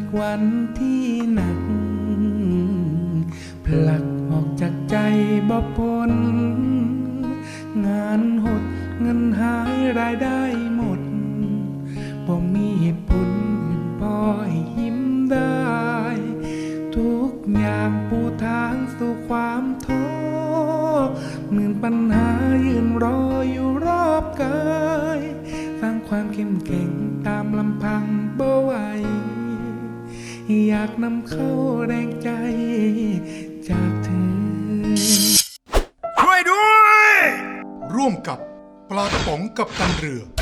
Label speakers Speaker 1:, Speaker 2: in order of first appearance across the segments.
Speaker 1: วันที่หนักผลักออกจากใจบ่พ้นงานหดเงินหายรายได้หมดบ่มีเหตุผลอื่นพอให้ยิ้มได้ทุกอย่างปูทางสู่ความท้อหมื่นปัญหายืนรออยู่รอบกายสร้างความเข้มแข็งตามลำพังบ่ไหวอยากนำเข้าแรงใจจากเธอ
Speaker 2: ช่วยด้วยร่วมกับปลากระป๋องกับตันเรือ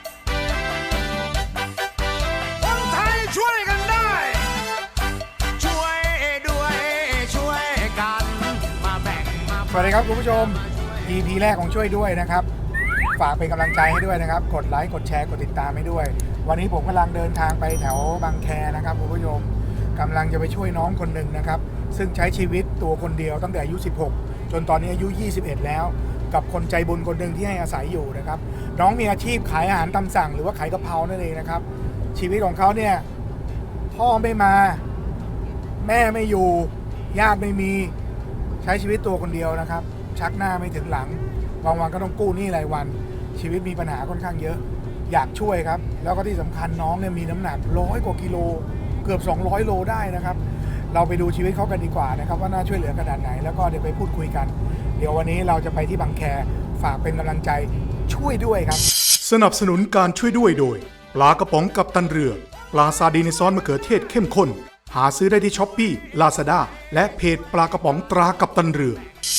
Speaker 3: คนไทยช่วยกันได้ช่วยด้วยช่วยกันมาแบ่งมา
Speaker 4: สวัสดีครับคุณผู้ชม EP แรกของช่วยด้วยนะครับฝากเป็นกำลังใจให้ด้วยนะครับกดไลค์กดแชร์กดติดตามให้ด้วยวันนี้ผมกำลังเดินทางไปแถวบางแคนะครับคุณผู้ชมกำลังจะไปช่วยน้องคนหนึ่งนะครับซึ่งใช้ชีวิตตัวคนเดียวตั้งแต่อายุ16จนตอนนี้อายุ21แล้วกับคนใจบุญคนหนึ่งที่ให้อาศัยอยู่นะครับน้องมีอาชีพขายอาหารตามสั่งหรือว่าขายกะเพรานั่นเองนะครับชีวิตของเขาเนี่ยพ่อไม่มาแม่ไม่อยู่ญาติไม่มีใช้ชีวิตตัวคนเดียวนะครับชักหน้าไม่ถึงหลังบางวันก็ต้องกู้หนี้รายวันชีวิตมีปัญหาค่อนข้างเยอะอยากช่วยครับแล้วก็ที่สำคัญน้องเนี่ยมีน้ำหนัก100 กว่ากิโลเกือบ200 โลได้นะครับเราไปดูชีวิตเขากันดีกว่านะครับว่าน่าช่วยเหลือขนาดไหนแล้วก็เดี๋ยวไปพูดคุยกันเดี๋ยววันนี้เราจะไปที่บางแคฝากเป็นกำลังใจช่วยด้วยครับ
Speaker 2: สนับสนุนการช่วยด้วยโดยปลากระป๋องกับตันเรือปลาซาดีในซอสมะเขือเทศเข้มข้นหาซื้อได้ที่ช้อปปี้ Lazada และเพจปลากระป๋องตรากับตันเรือ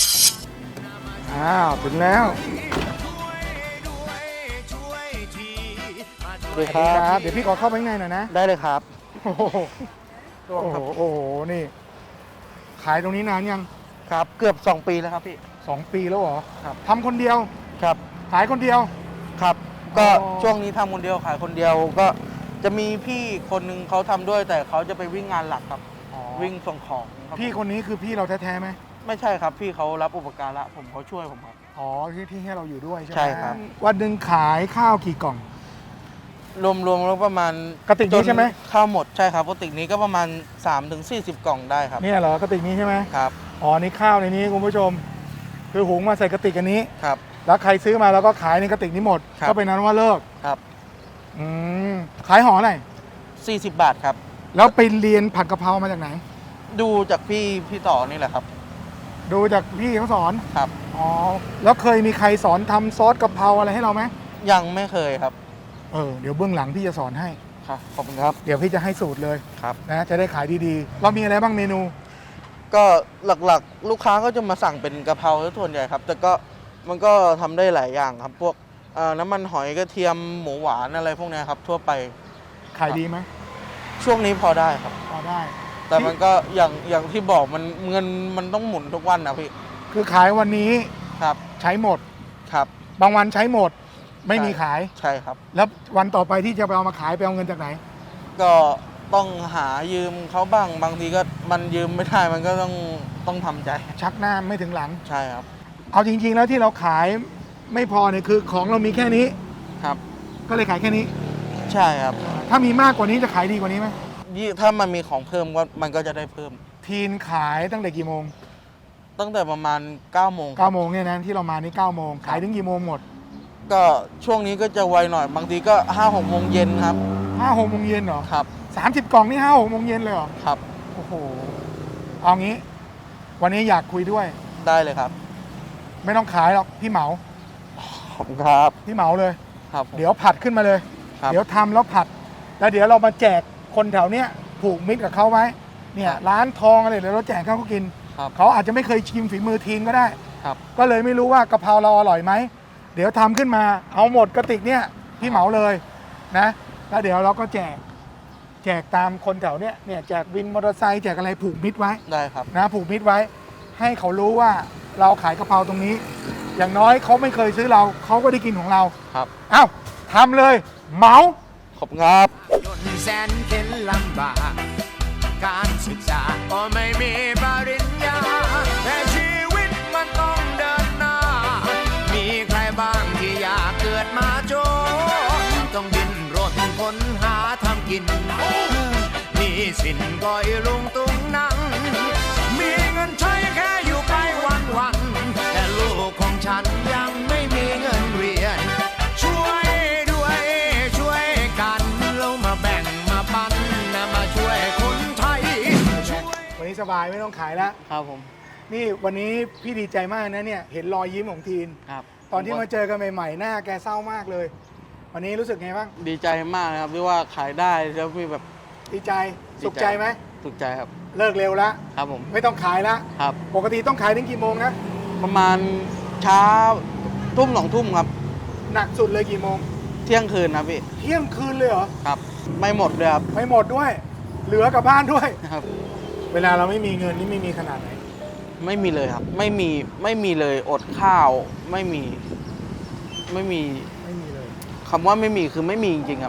Speaker 4: ถึงแล้ว
Speaker 5: สวัสดีครับ
Speaker 4: เดี๋ยวพี่ขอเข้าไปข้างในหน่อยนะ
Speaker 5: ได้เลยครับ
Speaker 4: โอ้โหนี่ขายตรงนี้นานยัง
Speaker 5: ครับเกือบ2 ปีแล้วครับพี่
Speaker 4: 2 ปีแล้วเหรอ
Speaker 5: ครับ
Speaker 4: ทำคนเดียว
Speaker 5: ครับ
Speaker 4: ขายคนเดียว
Speaker 5: ครับก็ช่วงนี้ทำคนเดียวขายคนเดียวก็จะมีพี่คนนึงเขาทำด้วยแต่เขาจะไปวิ่งงานหลักครับวิ่งส่งของ
Speaker 4: พี่คนนี้คือพี่เราแท้ๆไหม
Speaker 5: ไม่ใช่ครับพี่เขารับอุปการะผมเขาช่วยผมครับ
Speaker 4: ที่ให้เราอยู่ด้วยใช่ไหม
Speaker 5: ใช่ครับ
Speaker 4: วันหนึ่งขายข้าวกี่กล่อง
Speaker 5: รวมแล้วประมาณ
Speaker 4: กระติกนี้ใช่ไหม
Speaker 5: ข้าวหมดใช่ครับกระติกนี้ก็ประมาณ3-40 กล่องได้ครับ
Speaker 4: เนี่ยเหรอกระติกนี้ใช่ไหม
Speaker 5: ครับ
Speaker 4: นี่ข้าวในนี้คุณผู้ชมคือหุงมาใส่กระติกอันนี้
Speaker 5: ครับ
Speaker 4: แล้วใครซื้อมาแล้วก็ขายในกระติกนี้หมดก็เป็นนั้นว่าเลิก
Speaker 5: ครับ
Speaker 4: ขายห่อไหน
Speaker 5: 40 บาทครับ
Speaker 4: แล้วไปเรียนผัดกะเพรามาจากไหน
Speaker 5: ดูจากพี่ต่อนี่แหละครับ
Speaker 4: ดูจากพี่เขาสอน
Speaker 5: ครับ
Speaker 4: แล้วเคยมีใครสอนทำซอสกะเพราอะไรให้เราไหม
Speaker 5: ยังไม่เคยครับ
Speaker 4: เดี๋ยวเบื้องหลังพี่จะสอนให้
Speaker 5: ครับขอบคุณครับ
Speaker 4: เดี๋ยวพี่จะให้สูตรเลย
Speaker 5: ครับ
Speaker 4: นะจะได้ขายดีๆเรามีอะไรบ้างเมนู
Speaker 5: ก็หลักๆลูกค้าก็จะมาสั่งเป็นกะเพราส่วนใหญ่ครับแต่ก็มันก็ทำได้หลายอย่างครับพวกน้ำมันหอยกระเทียมหมูหวานอะไรพวกนี้ครับทั่วไป
Speaker 4: ขายดีไหม
Speaker 5: ช่วงนี้พอได้ครับ
Speaker 4: พอได้
Speaker 5: แต่มันก็อย่างที่บอกมันเงินมันต้องหมุนทุกวันนะพี่
Speaker 4: คือขายวันนี้
Speaker 5: ครับ
Speaker 4: ใช้หมด
Speaker 5: ครับ
Speaker 4: บางวันใช้หมดไม่มีขาย
Speaker 5: ใช่ครับ
Speaker 4: แล้ววันต่อไปที่จะไปเอามาขายไปเอาเงินจากไหน
Speaker 5: ก็ต้องหายืมเขาบ้างบางทีก็มันยืมไม่ได้มันก็ต้องทำใจ
Speaker 4: ชักหน้าไม่ถึงหลัง
Speaker 5: ใช่ครับ
Speaker 4: เอาจริงๆแล้วที่เราขายไม่พอเนี่ยคือของเรามีแค่นี้
Speaker 5: ครับ
Speaker 4: ก็เลยขายแค่นี้
Speaker 5: ใช่ครับ
Speaker 4: ถ้ามีมากกว่านี้จะขายดีกว่านี้ไหม
Speaker 5: ถ้ามันมีของเพิ่มก็มันก็จะได้เพิ่ม
Speaker 4: ทีนขายตั้งแต่กี่โมง
Speaker 5: ตั้งแต่ประมาณ9 โมง
Speaker 4: เนี่ยนะที่เรามานี่9 โมงขายถึงกี่โมงหมด
Speaker 5: ก็ช่วงนี้ก็จะไวหน่อยบางทีก็5-6 โมงเย็นครับ
Speaker 4: 5-6 โมงเย็นเหรอ
Speaker 5: ครับ
Speaker 4: 30 กล่องนี่5-6 โมงเย็นเลยเหรอ
Speaker 5: ครับ
Speaker 4: โอ้โหเอางี้วันนี้อยากคุยด้วย
Speaker 5: ได้เลยครับ
Speaker 4: ไม่ต้องขายหรอกพี่เหมา
Speaker 5: ขอบคุณครับ
Speaker 4: พี่เหมาเลย
Speaker 5: ครับ
Speaker 4: เดี๋ยวผัดขึ้นมาเลยเดี๋ยวทำแล้วผัดแล้วเดี๋ยวเรามาแจกคนแถวเนี้ยผูกมิตรกับเขาไว้เนี่ยร้านทองอะไรเดี๋ยวเราแจกเขากินเขาอาจจะไม่เคยชิมฝีมือทีนก็ได้ก็เลยไม่รู้ว่ากะเพราเราอร่อยไหมเดี๋ยวทำขึ้นมาเอาหมดกระติกเนี่ยพี่เหมาเลยนะแล้วเดี๋ยวเราก็แจกตามคนแถวเนี้ยแจกวินมอเตอร์ไซค์แจกอะไรผูกมิตรไว้
Speaker 5: ได้ครับ
Speaker 4: นะผูกมิตรไว้ให้เขารู้ว่าเราขายกะเพราตรงนี้อย่างน้อยเขาไม่เคยซื้อเราเขาก็ได้กินของเรา
Speaker 5: ครับ
Speaker 4: อ้าวทำเลยเหมา
Speaker 5: ขอบคุณครับ
Speaker 3: จนแสนเข็ญลำบากการศึกษาก็ไม่มีปริญญาแต่ชีวิตมันต้องเดินหน้ามีใครบ้างที่อยากเกิดมาจนต้องดิ้นรนค้นหาทำกินมีมีสินก็อีลุงตุงนังมีเงินใช้แค่อยู่ไปวันๆแต่ลูกของฉันยังไม่มีเงินเรียนช่วยด้วยช่วยกันเรามาแบ่งมาปันนะมาช่วยคนไทย
Speaker 4: วันนี้สบายไม่ต้องขายแล้ว
Speaker 5: ครับผม
Speaker 4: นี่วันนี้พี่ดีใจมากนะเนี่ยเห็นรอยยิ้มของทีน
Speaker 5: ครับ
Speaker 4: ตอนที่มาเจอกันใหม่ๆหน้าแกเศร้ามากเลย วันนี้รู้สึกไงบ้าง
Speaker 5: ดีใจมากนะครับที่ว่าขายได้แล้วมีแบบ
Speaker 4: ดีใจสุขใจไหม
Speaker 5: สุขใจครับ
Speaker 4: เลิกเร็วแล้ว
Speaker 5: ครับผม
Speaker 4: ไม่ต้องขายแล้ว
Speaker 5: ครับ
Speaker 4: ปกติต้องขายถึงกี่โมงนะ
Speaker 5: ประมาณเช้าทุ่ม2 ทุ่มครับ
Speaker 4: หนักสุดเลยกี่โมง
Speaker 5: เที่ยงคืนครับพี่
Speaker 4: เที่ยงคืนเลยเหรอ
Speaker 5: ครับไม่หมดเลยครับ
Speaker 4: ไม่หมดด้วย เหลือกลับบ้านด้วย
Speaker 5: ครับ
Speaker 4: เวลาเราไม่มีเงินนี่ไม่มีขนาดไหน
Speaker 5: ไม่มีเลยครับ ไม่มีเลยอดข้าวไม่มี
Speaker 4: ไม่มีเลย
Speaker 5: คำว่าไม่มีคือไม่มีจริงๆครับ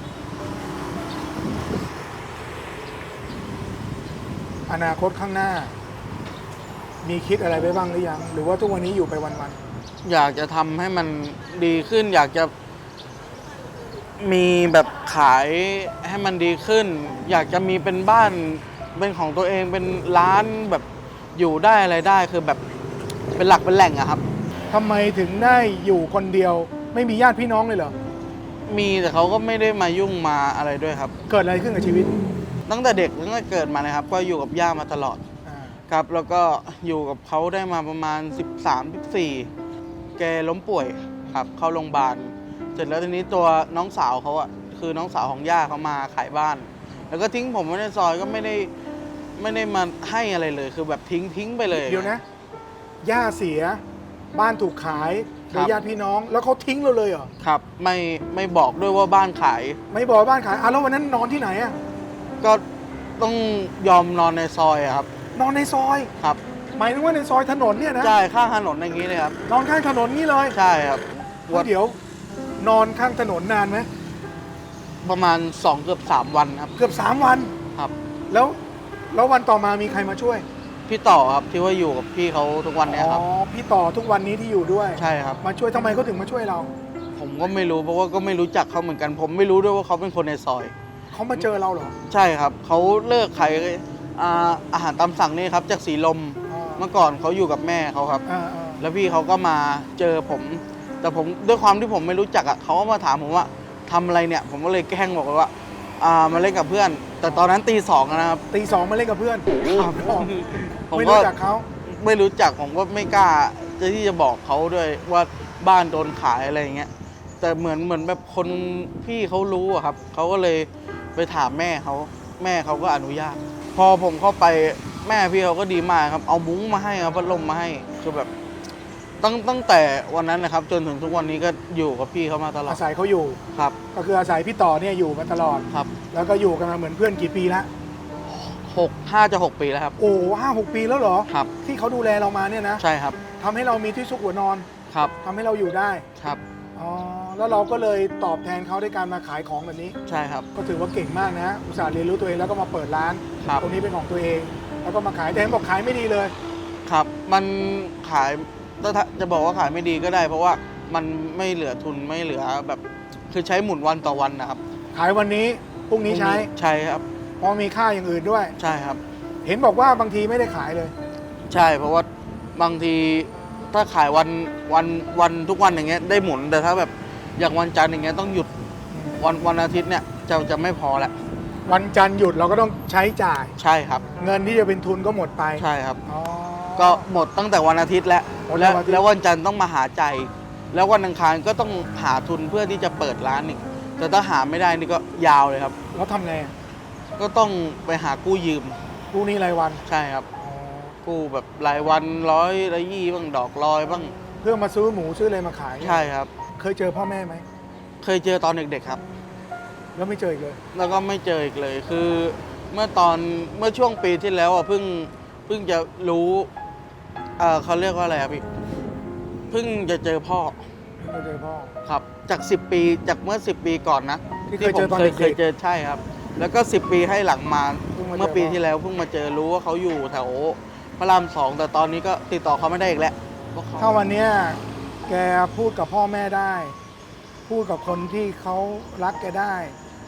Speaker 4: อนาคตข้างหน้า มีคิดอะไรไปบ้างหรือยัง หรือว่าทุกวันนี้อยู่ไปวัน
Speaker 5: อยากจะทำให้มันดีขึ้น อยากจะมีแบบขายให้มันดีขึ้น อยากจะมีเป็นบ้านเป็นของตัวเองเป็นร้านแบบอยู่ได้อะไรได้คือแบบเป็นหลักเป็นแหล่งอะครับ
Speaker 4: ๆทำไมถึงได้อยู่คนเดียว ไม่มีญาติพี่น้องเลยเหรอ
Speaker 5: มีแต่เขาก็ไม่ได้มายุ่งมาอะไรด้วยครับ
Speaker 4: เกิดอะไรขึ้นกับชีวิต
Speaker 5: ตั้งแต่เด็กตั้งแต่เกิดมานะครับ ก็อยู่กับย่ามาตลอด
Speaker 4: อ่า
Speaker 5: ครับแล้วก็อยู่กับเขาได้มาประมาณ 13-14 แกล้มป่วยครับเข้าโรงพยาบาลเสร็จแล้วทีนี้ตัวน้องสาวเขาอะคือน้องสาวของย่าเขามาขายบ้าน แล้วก็ทิ้งผมไว้ในซอยก็ไม่ได้มาให้อะไรเลย คือแบบทิ้งไปเลย
Speaker 4: เดี๋ยวนะ ย่าเสีย บ้านถูกขาย
Speaker 5: ค
Speaker 4: โด
Speaker 5: รั
Speaker 4: ย
Speaker 5: บ
Speaker 4: ญาติพี่น้อง แล้วเขาทิ้งเราเลยเหรอ
Speaker 5: ครับไม่บอกด้วยว่าบ้านขาย
Speaker 4: ไม่บอกบ้านขายแล้ววันนั้นนอนที่ไหนอะ
Speaker 5: ก็ต้องยอมนอนในซอยอะครับ
Speaker 4: นอนในซอย
Speaker 5: ครับ
Speaker 4: หมายถึงว่าในซอยถนนเนี่ยนะ
Speaker 5: ใช่ข้างถนนอย่างนี้เลยครับ
Speaker 4: นอนข้างถนนนี่เลย
Speaker 5: ใช่ครับ
Speaker 4: แล้วเดี๋ยว นอนข้างถนนนานไหม
Speaker 5: ประมาณ2เกือบ3วันครับ
Speaker 4: เกือบ3 วัน
Speaker 5: ครับ
Speaker 4: แล้ววันต่อมามีใครมาช่วย
Speaker 5: พี่ต่อครับที่ว่าอยู่กับพี่เขาทุกวันเนี้ยครับ
Speaker 4: อ๋อ พี่ต่อทุกวันนี้ที่อยู่ด้วย
Speaker 5: ใช่ครับ
Speaker 4: มาช่วยทำไมเขาถึงมาช่วยเรา
Speaker 5: ผมก็ไม่รู้เพราะว่าก็ไม่รู้จักเขาเหมือนกัน ผมไม่รู้ด้วยว่าเขาเป็นคนในซอย
Speaker 4: เขามาเจอเราเหรอ
Speaker 5: ใช่ครับเขาเลิกขายอาหารตามสั่งนี่ครับจากสีลม
Speaker 4: อ่า
Speaker 5: เมื่อก่อนเขาอยู่กับแม่เขาครับ
Speaker 4: อ่า
Speaker 5: แล้วพี่เขาก็มาเจอผม แต่ผมด้วยความที่ผมไม่รู้จักอ่ะเขาก็มาถามผมว่าทำอะไรเนี่ย ผมก็เลยแกล้งบอกไปว่ามาเล่นกับเพื่อน แต่ตอนนั้นตี 2นะครับ
Speaker 4: ตี 2มาเล่นกับเพื่อน
Speaker 5: ครับ ผม
Speaker 4: ไม่
Speaker 5: ก็
Speaker 4: รู้จักเขา
Speaker 5: ไม่รู้จักผมก็ไม่กล้าที่จะบอกเขาด้วยว่าบ้านโดนขายอะไรอย่างเงี้ยแต่เหมือนแบบคนพี่เขารู้อะครับเขาก็เลยไปถามแม่เขาก็อนุญาต พอผมเข้าไปแม่พี่เขาก็ดีมากครับเอามุ้งมาให้เอาพัดลมมาให้คือแบบตั้งแต่วันนั้นนะครับ จนถึงทุกวันนี้ก็อยู่กับพี่เขามาตลอด
Speaker 4: อาศัยเขาอยู่
Speaker 5: ครับ
Speaker 4: ก็คืออาศัยพี่ต่อเนี่ยอยู่มาตลอด
Speaker 5: ครับ
Speaker 4: แล้วก็อยู่กันมาเหมือนเพื่อนกี่ปีละ
Speaker 5: 5 จะ 6 ปีแล้วครับ
Speaker 4: โอ้5-6 ปีแล้วเหรอ
Speaker 5: ครับ
Speaker 4: ที่เขาดูแลเรามาเนี่ยนะ
Speaker 5: ใช่ครับ
Speaker 4: ทำให้เรามีที่ซุกหัวนอน
Speaker 5: ครับ
Speaker 4: ทำให้เราอยู่ได้
Speaker 5: ครับ
Speaker 4: อ๋อ แล้วเราก็เลยตอบแทนเขาด้วยการมาขายของแบบนี้
Speaker 5: ใช่ครับ
Speaker 4: ก็ถือว่าเก่งมากนะ อุตส่าห์เรียนรู้ตัวเองแล้วก็มาเปิดร้าน
Speaker 5: ครับ
Speaker 4: ตรงนี้เป็นของตัวเอง แล้วก็มาขายแต่เห็นบอกขายไม่ดีเลย
Speaker 5: ครับมันขายถ้าจะบอกว่าขายไม่ดีก็ได้ เพราะว่ามันไม่เหลือทุนไม่เหลือแบบคือใช้หมุนวันต่อวันนะครับ
Speaker 4: ขายวันนี้พรุ่งนี้ใช้
Speaker 5: ใช่ครับ
Speaker 4: เพราะมีค่าอย่างอื่นด้วย
Speaker 5: ใช่ครับ
Speaker 4: เห็นบอกว่าบางทีไม่ได้ขายเลย
Speaker 5: ใช่เพราะว่าบางทีถ้าขายวันทุกวันอย่างเงี้ยได้หมุนแต่ถ้าแบบอย่างวันจันทร์อย่างเงี้ยต้องหยุดวันอาทิตย์เนี่ยจะไม่พอแล้ว
Speaker 4: วันจันทร์หยุดเราก็ต้องใช้จ่าย
Speaker 5: ใช่ครับ
Speaker 4: เงินที่จะเป็นทุนก็หมดไป
Speaker 5: ใช่ครับ
Speaker 4: อ๋อ
Speaker 5: ก็หมดตั้งแต่วันอาทิตย์แล้ว
Speaker 4: หมดแล้ววันอาทิตย์
Speaker 5: แล้ววันจันทร์ต้องมาหาใจ แล้ววันอังคารก็ต้องหาทุนเพื่อที่จะเปิดร้านอีกแต่ถ้าหาไม่ได้นี่ก็ยาวเลยครับ
Speaker 4: แล้วทำไงอ่ะ
Speaker 5: ก็ต้องไปหากู้ยืม
Speaker 4: พรุ่งนี้รายวัน
Speaker 5: ใช่ครับ
Speaker 4: อ๋อ
Speaker 5: กู้แบบรายวัน100 บ้างดอกลอยบ้าง
Speaker 4: เพื่อมาซื้อหมูซื้ออะไรมาขาย
Speaker 5: ใช่ครับ
Speaker 4: เคยเจอพ่อแม่ไหม
Speaker 5: เคยเจอตอนเด็กๆครับ
Speaker 4: แล้วไม่เจออีกเลย
Speaker 5: แล้วก็ไม่เจออีกเลยคือเมื่อช่วงปีที่แล้วอ่ะเพิ่งจะรู้เขาเรียกว่าอะไรครับพี่เพิ่งจะเจอพ่อ
Speaker 4: ไม่เคยเจอพ่อ
Speaker 5: ครับจาก10 ปีจากเมื่อ10 ปีก่อนนะ
Speaker 4: ที่เคยเจอ
Speaker 5: ผม
Speaker 4: ตอนเด็กๆ
Speaker 5: เคยเจอใช่ครับ แล้วก็10 ปีให้หลังมา
Speaker 4: เพิ่งมาเจอ
Speaker 5: เมื่อปีที่แล้วเพิ่งมาเจอรู้ว่าเขาอยู่แถวพระราม 2แต่ตอนนี้ก็ติดต่อเขาไม่ได้อีกแล้วเพราะเขา
Speaker 4: ถ้าวันเนี้ยแกพูดกับพ่อแม่ได้ พูดกับคนที่เขารักแกได้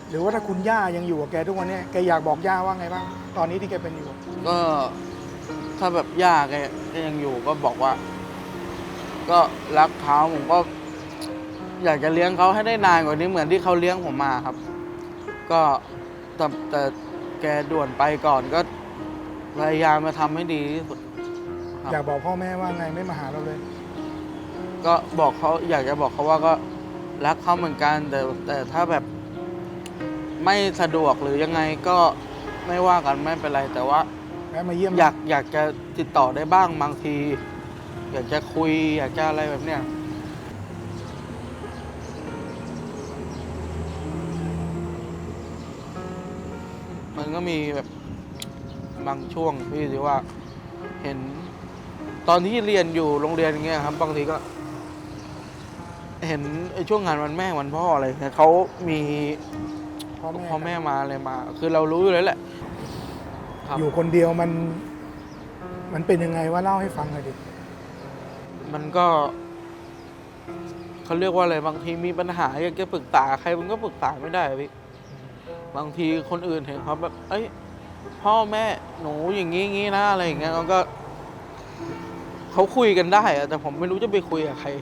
Speaker 4: หรือว่าถ้าคุณย่ายังอยู่กับแกทุกวันเนี้แกอยากบอกย่าว่าไงบ้างตอนนี้ที่แกเป็นอยู่
Speaker 5: ก็ถ้าแบบย่าแกยังอยู่ก็บอกว่า ก็รักเขาผมก็ อยากจะเลี้ยงเขาให้ได้นานกว่านี้เหมือนที่เขาเลี้ยงผมมาครับ ก็แต่แกด่วนไปก่อนก็พยายามมาทำให้ดีที่สุดครับ
Speaker 4: อยากบอกพ่อแม่ว่าไงไม่มาหาเราเลย
Speaker 5: ก็บอกเขาอยากจะบอกเขาว่าก็รักเขาเหมือนกัน แต่ถ้าแบบไม่สะดวกหรือยังไงก็ไม่ว่ากันไม่เป็นไร แต่ว่า
Speaker 4: แม่มาเยี่ยม
Speaker 5: อยากจะติดต่อได้บ้างบางที อยากจะคุย อยากจะอะไรแบบเนี้ยมันก็มีแบบบางช่วงพี่ที่ว่าเห็นตอนที่เรียนอยู่โรงเรียนอย่างเงี้ยครับ บางทีก็ เห็นไอ้ช่วงงานวันแม่วันพ่ออะไรเนี่ยเขามี
Speaker 4: พ่อ
Speaker 5: พ่อ
Speaker 4: แม่
Speaker 5: แม่มาอะไรมา คือเรารู้อยู่แล้วแหละครับ
Speaker 4: อยู่คนเดียวมันเป็นยังไงว่าเล่าให้ฟังหน่อยดิ
Speaker 5: มันก็เขาเรียกว่าอะไรบางทีมีปัญหาอยากจะปรึกษาใครมันก็ปรึกษาไม่ได้อะพี่บางทีคนอื่นเห็นเขาแบบเอ้ยพ่อแม่หนูอย่างงี้นะอะไรอย่างเงี้ยมันก็เขาคุยกันได้อะแต่ผมไม่รู้จะไปคุยกับใคร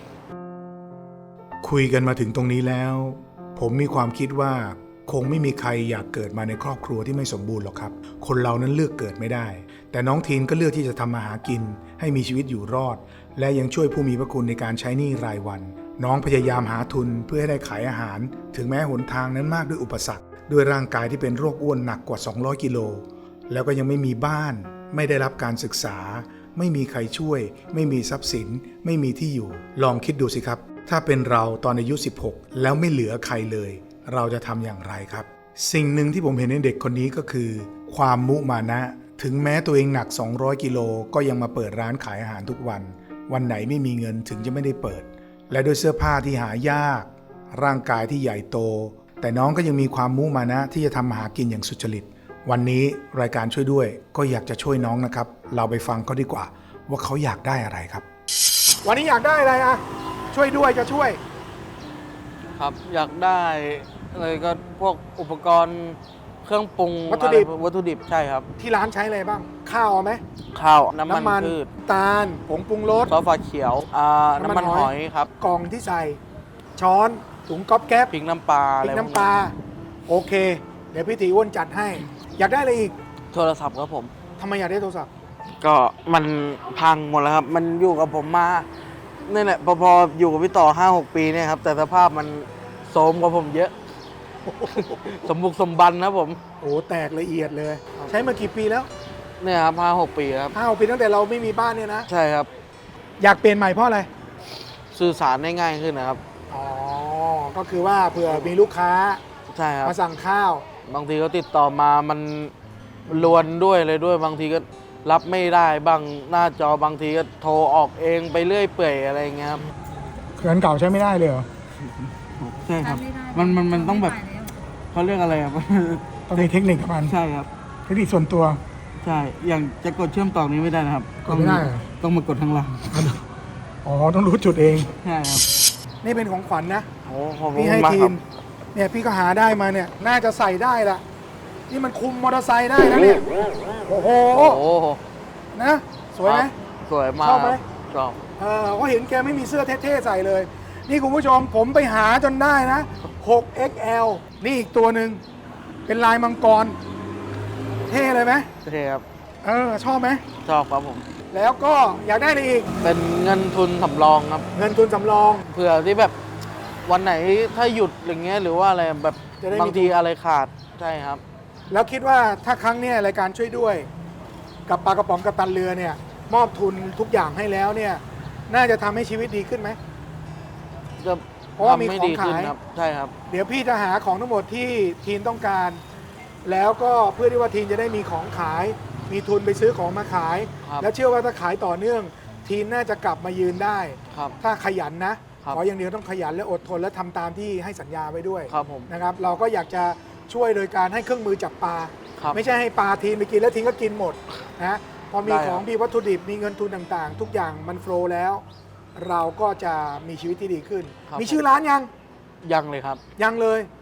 Speaker 2: คุยกันมาถึงตรงนี้แล้ว ผมมีความคิดว่าคงไม่มีใครอยากเกิดมาในครอบครัวที่ไม่สมบูรณ์หรอกครับ คนเรานั้นเลือกเกิดไม่ได้ แต่น้องทีนก็เลือกที่จะทำมาหากินให้มีชีวิตอยู่รอด และยังช่วยผู้มีพระคุณในการใช้หนี้รายวัน น้องพยายามหาทุนเพื่อให้ได้ขายอาหาร ถึงแม้หนทางนั้นมากด้วยอุปสรรคด้วยร่างกายที่เป็นโรคอ้วนหนักกว่า200กิโลแล้วก็ยังไม่มีบ้านไม่ได้รับการศึกษา ไม่มีใครช่วย ไม่มีทรัพย์สิน ไม่มีที่อยู่ ลองคิดดูสิครับ ถ้าเป็นเราตอนอายุ16แล้วไม่เหลือใครเลย เราจะทำอย่างไรครับ สิ่งหนึ่งที่ผมเห็นในเด็กคนนี้ก็คือ ความมุมานะ ถึงแม้ตัวเองหนัก200กิโลก็ยังมาเปิดร้านขายอาหารทุกวัน วันไหนไม่มีเงินถึงจะไม่ได้เปิด และด้วยเสื้อผ้าที่หายาก ร่างกายที่ใหญ่โต แต่น้องก็ยังมีความมุมานะที่จะทำมาหากินอย่างสุจริต วันนี้รายการช่วยด้วยก็อยากจะช่วยน้องนะครับ เราไปฟังเขาดีกว่า ว่าเขาอยากได้อะไรครับ
Speaker 4: วันนี้อยากได้อะไรอะช่วยด้วยจะช่วย
Speaker 5: ครับอยากได้อะไรก็พวกอุปกรณ์เครื่องปรุง
Speaker 4: วัตถุดิบ
Speaker 5: อะไรวัตถุดิบใช่ครับ
Speaker 4: ที่ร้านใช้อะไรบ้าง ข้าวเอาไหม
Speaker 5: ข้าวน้ำมันพืช
Speaker 4: ตาลผงปรุงรส
Speaker 5: ซอสฟ้าเขียวน้ำมันหอยครับ
Speaker 4: กล่องที่ใส่ ช้อนถุงก๊อบแก๊บ
Speaker 5: พริกน้ำปลา
Speaker 4: พ
Speaker 5: อะ
Speaker 4: ริ
Speaker 5: ไร
Speaker 4: ก
Speaker 5: พวก
Speaker 4: น้ำปลาโอเค เดี๋ยวพี่ตีอ้วนจัดให้ อยากได้อะไรอีก
Speaker 5: โทรศัพท์ครับผม
Speaker 4: ทำไมอยากได้โทรศัพท์
Speaker 5: ก็มันพังหมดแล้วครับ มันอยู่กับผมมานี่แหละพออยู่กับพี่ต่อ 5-6 ปีเนี่ยครับแต่สภาพมันโทรมกว่าผมเยอะ สมบุกสมบันนะผม
Speaker 4: โอ้แตกละเอียดเลย ใช้มากี่ปีแล้ว
Speaker 5: เนี่ยครับ5-6 ปีครับ
Speaker 4: 5 ปีตั้งแต่เราไม่มีบ้านเนี่ยนะ
Speaker 5: ใช่ครับ
Speaker 4: อยากเปลี่ยนใหม่เพราะอะไร
Speaker 5: สื่อสารได้ง่ายขึ้นนะครับ
Speaker 4: อ๋อ ก็คือว่าเผื่อมีลูกค้า
Speaker 5: ใช่ครับ
Speaker 4: มาสั่งข้าว
Speaker 5: บางทีเขาติดต่อมามันลวนด้วยเลยด้วย บางทีก็รับไม่ได้บางหน้าจอบางทีก็โทรออกเองไปเรื่อยเปื่อยอะไรอย่างเงี้ยครับ
Speaker 4: เครื่องเก่าใช้ไม่ได้เลยเหรอ
Speaker 5: ใช่ครับ
Speaker 6: ไม่ได้
Speaker 5: มันต้องแบบ
Speaker 6: ไม่ได้แล้ว
Speaker 5: เขาเรียกอะไรครับ
Speaker 4: ต้องมีเทคนิคกับมัน
Speaker 5: ใช่ครับ
Speaker 4: เทคนิคส่วนตัว
Speaker 5: ใช่ อย่างจะกดเชื่อมต่อนี้ไม่ได้นะครับ
Speaker 4: กดไม่ได้เหรอ
Speaker 5: ต้องมากดข้างล่าง
Speaker 4: อ๋อ ต้องรู้จุดเอง
Speaker 5: ใช่ครับ
Speaker 4: นี่เป็นของขวัญนะ
Speaker 5: โอ้ขอบคุ
Speaker 4: พี่
Speaker 5: ณ
Speaker 4: ให้
Speaker 5: มาก
Speaker 4: ที
Speaker 5: ครั
Speaker 4: ม
Speaker 5: บ
Speaker 4: เนี่ยพี่ก็หาได้มาเนี่ย น่าจะใส่ได้ละนี่มันคุมมอเตอร์ไซค์ได้นะเนี่ย โอ้โห
Speaker 5: โอ้โห
Speaker 4: นะ สวยไหม
Speaker 5: สวยมาก
Speaker 4: ชอบไหม
Speaker 5: ชอบ
Speaker 4: ก็เห็นแกไม่มีเสื้อเท่ๆใส่เลย นี่คุณผู้ชมผมไปหาจนได้นะ 6XL นี่อีกตัวหนึ่งเป็นลายมังกร เท่เลยไหม
Speaker 5: โอเคครับ
Speaker 4: ชอบไหม
Speaker 5: ชอบครับผม
Speaker 4: แล้วก็อยากได้อะไรอีก
Speaker 5: เป็นเงินทุนสำรองครับ
Speaker 4: เงินทุนสำรอง
Speaker 5: เผื่อที่แบบวันไหนถ้าหยุดอย่างเงี้ยหรือว่าอะไรแบบ
Speaker 4: จะได้มี
Speaker 5: บางทีอะไรขาดใช่ครับ
Speaker 4: แล้วคิดว่าถ้าครั้งเนี้ยรายการช่วยด้วย กับปลากระป๋องกับตันเรือเนี่ย มอบทุนทุกอย่างให้แล้วเนี่ย น่าจะทำให้ชีวิตดีขึ้นไหม
Speaker 5: จะ
Speaker 4: เพราะว่ามี
Speaker 5: ทำให้
Speaker 4: ของ
Speaker 5: ดีขึ้น
Speaker 4: ขาย
Speaker 5: ครับใช่ครับ
Speaker 4: เดี๋ยวพี่จะหาของทั้งหมดที่ทีนต้องการ แล้วก็เพื่อที่ว่าทีนจะได้มีของขาย มีทุนไปซื้อของมาขาย
Speaker 5: ครับ
Speaker 4: แล้วเชื่อว่าถ้าขายต่อเนื่อง ทีนน่าจะกลับมายืนได้
Speaker 5: ครับ
Speaker 4: ถ้าขยันนะ
Speaker 5: ครับ
Speaker 4: ขออย่างเดียวต้องขยันและอดทนและทำตามที่ให้สัญญาไว้ด้วย
Speaker 5: ครับผม
Speaker 4: นะครับ เราก็อยากจะช่วยโดยการให้เครื่องมือจับปลา
Speaker 5: ครับ
Speaker 4: ไม่ใช่ให้ปลาทีนไปกินแล้วทีนก็กินหมดนะพอมี
Speaker 5: ได้
Speaker 4: ข
Speaker 5: ครับ
Speaker 4: องมีวัตถุดิบมีเงินทุนต่างๆ ทุกอย่างมันโฟลว์แล้ว เราก็จะมีชีวิตที่ดีขึ้น มีชื่อร้านยัง
Speaker 5: ยังเลยครับ
Speaker 4: ยังเลย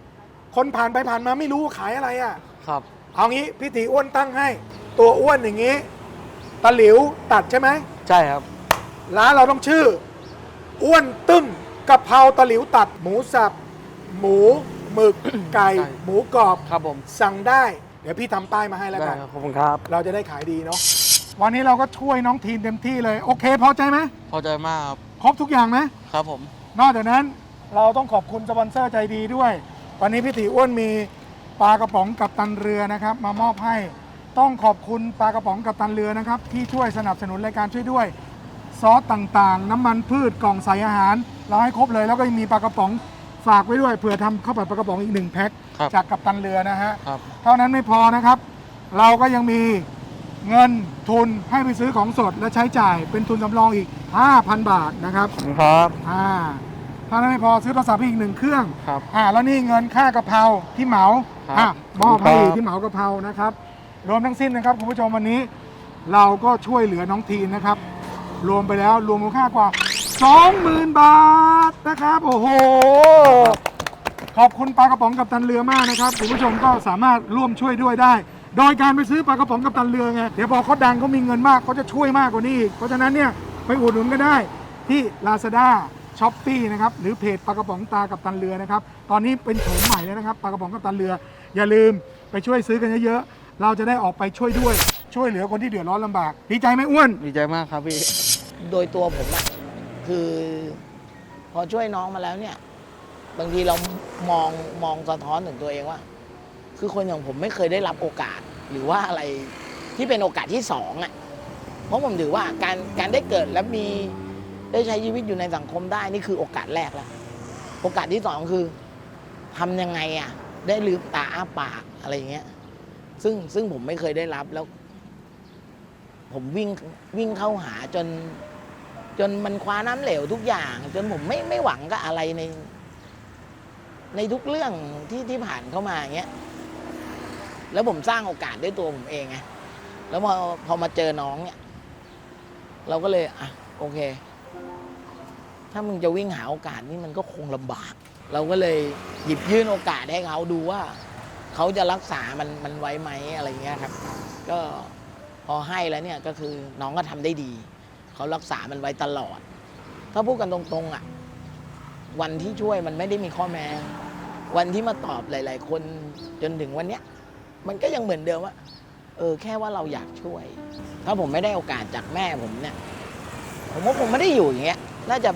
Speaker 4: คนผ่านไปผ่านมาไม่รู้ขายอะไรอ่ะ
Speaker 5: ครับ
Speaker 4: เอางี้พี่ตีอ้วนตั้งให้ ตัวอ้วนอย่างนี้ตะหลิวตัดใช่ไหม
Speaker 5: ใช่ครับ
Speaker 4: ร้านเราต้องชื่อ อ้วนตึ้มกะเพราตะหลิวตัด หมูสับ หมูหมึก ไก่
Speaker 5: ใช่
Speaker 4: หมูกรอบ
Speaker 5: ครับผม
Speaker 4: สั่งได้ เดี๋ยวพี่ทำป้ายมาให้แล้ว
Speaker 5: ได้
Speaker 4: กัน
Speaker 5: ครับขอบคุณครับ
Speaker 4: เราจะได้ขายดีเนาะวันนี้เราก็ช่วยน้องทีนเต็มที่เลย โอเคพอใจไหม
Speaker 5: พอใจมากครับ
Speaker 4: ครบทุกอย่างไหม
Speaker 5: ครับผม
Speaker 4: นอกจากนั้นเราต้องขอบคุณสปอนเซอร์ใจดีด้วย วันนี้พี่ตีอ้วนมีปลากระป๋องกับตันเรือนะครับ มามอบให้ ต้องขอบคุณปลากระป๋องกับตันเรือนะครับ ที่ช่วยสนับสนุนรายการช่วยด้วย ซอสต่างๆ น้ำมันพืชกล่องใส่อาหาร เราให้ครบเลย แล้วก็ยังมีปลากระป๋องฝากไว้ด้วยเผื่อทำข้าวผัดปลากระป๋องอีก1แพ็ค
Speaker 5: ครับ
Speaker 4: จากกับตันเรือนะฮะ
Speaker 5: ครับ
Speaker 4: เท่านั้นไม่พอนะครับ เราก็ยังมีเงินทุนให้ไปซื้อของสดและใช้จ่ายเป็นทุนสำรองอีก 5,000 บาทนะครับ
Speaker 5: ครับ
Speaker 4: ถ้านั้นไม่พอซื้อโทรศัพท์อีก1เครื่อง
Speaker 5: ครับ
Speaker 4: แล้วนี่เงินค่ากะเพราที่เหมา
Speaker 5: ครับ
Speaker 4: มอบให้
Speaker 5: ครับ
Speaker 4: ที่เหมากะเพรานะครับ รวมทั้งสิ้นนะครับคุณผู้ชมวันนี้ เราก็ช่วยเหลือน้องทีนนะครับ รวมไปแล้วรวมมูลค่ากว่า 20,000 บาทนะครับโอ้โหขอบคุณปลากระป๋องกับตันเรือมากนะครับคุณผู้ชมก็สามารถร่วมช่วยด้วยได้ โดยการไปซื้อปลากระป๋องกับตันเรือไงเดี๋ยวพอเขาดังเขามีเงินมากเขาจะช่วยมากกว่านี้อีกเพราะฉะนั้นเนี่ยไปอุดหนุนก็ได้ที่ Lazada Shopee นะครับหรือเพจปลากระป๋องตากับตันเรือนะครับตอนนี้เป็นโฉมใหม่แล้วนะครับปลากระป๋องกับตันเรือ อย่าลืมไปช่วยซื้อกันเยอะๆเราจะได้ออกไปช่วยด้วยช่วยเหลือคนที่เดือดร้อนลำบากดีใจไหมอ้วน
Speaker 5: ดีใจมากครับพี่
Speaker 6: โดยตัวผมอะคือพอช่วยน้องมาแล้วเนี่ย บางทีเรามองสะท้อนถึงตัวเองว่า คือคนอย่างผมไม่เคยได้รับโอกาส หรือว่าอะไรที่เป็นโอกาสที่สองอะเพราะผมถือว่าการได้เกิดและมีได้ใช้ชีวิตอยู่ในสังคมได้นี่คือโอกาสแรกแล้วโอกาสที่สองคือทำยังไงอะได้ลืมตาอ้าปากอะไรอย่างเงี้ยซึ่งผมไม่เคยได้รับแล้ว ผมวิ่งเข้าหาจนมันคว้าน้ำเหลวทุกอย่าง จนผมไม่หวังกับอะไรในทุกเรื่องที่ผ่านเข้ามาอย่างเงี้ยแล้วผมสร้างโอกาสด้วยตัวผมเองไงแล้วพอมาเจอน้องเนี่ยเราก็เลยโอเค ถ้ามึงจะวิ่งหาโอกาสนี่มันก็คงลำบาก เราก็เลยหยิบยื่นโอกาสให้เขาดูว่าเขาจะรักษามันไว้ไหมอะไรเงี้ยครับ ก็พอให้แล้วเนี่ยก็คือน้องก็ทำได้ดีเขารักษามันไว้ตลอด ถ้าพูดกันตรงๆวันที่ช่วยมันไม่ได้มีข้อแม้วันที่มาตอบหลายๆคนจนถึงวันเนี้ยมันก็ยังเหมือนเดิมว่าแค่ว่าเราอยากช่วย ถ้าผมไม่ได้โอกาสจากแม่ผมเนี่ยผมว่าผมไม่ได้อยู่อย่างเงี้ยน่าจะ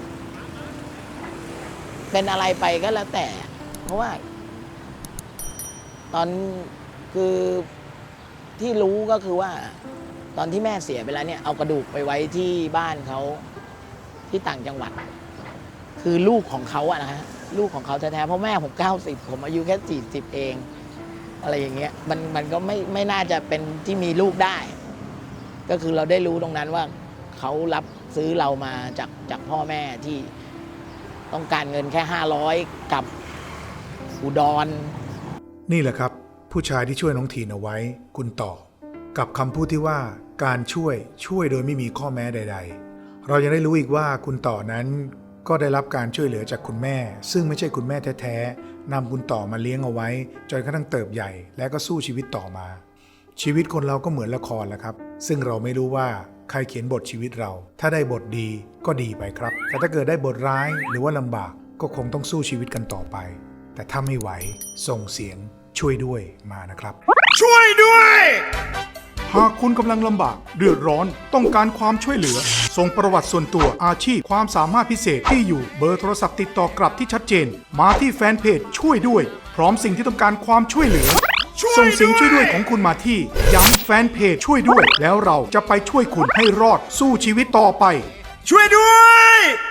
Speaker 6: เป็นอะไรไปก็แล้วแต่ เพราะว่าตอนคือที่รู้ก็คือว่าตอนที่แม่เสียไปแล้วเนี่ยเอากระดูกไปไว้ที่บ้านเขาที่ต่างจังหวัด คือลูกของเขาอะนะฮะลูกของเขาแท้ๆเพราะแม่ผม90ผมอายุแค่40เองอะไรอย่างเงี้ยมันก็ไม่น่าจะเป็นที่มีลูกได้ ก็คือเราได้รู้ตรงนั้นว่าเขารับซื้อเรามาจากพ่อแม่ที่ต้องการเงินแค่500กับอุดร
Speaker 2: นี่แหละครับผู้ชายที่ช่วยน้องทีนเอาไว้คุณต่อกับคำพูดที่ว่าการช่วยโดยไม่มีข้อแม้ใดๆเรายังได้รู้อีกว่าคุณต่อนั้นก็ได้รับการช่วยเหลือจากคุณแม่ซึ่งไม่ใช่คุณแม่แท้ๆนำคุณต่อมาเลี้ยงเอาไว้จนกระทั่งเติบใหญ่และก็สู้ชีวิตต่อมาชีวิตคนเราก็เหมือนละครแหละครับซึ่งเราไม่รู้ว่าใครเขียนบทชีวิตเราถ้าได้บทดีก็ดีไปครับแต่ถ้าเกิดได้บทร้ายหรือว่าลำบากก็คงต้องสู้ชีวิตกันต่อไปแต่ถ้าไม่ไหวส่งเสียงช่วยด้วยมานะครับช่วยด้วยหากคุณกำลังลำบากเดือดร้อนต้องการความช่วยเหลือส่งประวัติส่วนตัวอาชีพความสามารถพิเศษที่อยู่เบอร์โทรศัพท์ติดต่อกลับที่ชัดเจนมาที่แฟนเพจช่วยด้วยพร้อมสิ่งที่ต้องการความช่วยเหลือส่งเสียงช่วยด้วยของคุณมาที่ย้ำแฟนเพจช่วยด้วยแล้วเราจะไปช่วยคุณให้รอดสู้ชีวิตต่อไปช่วยด้วย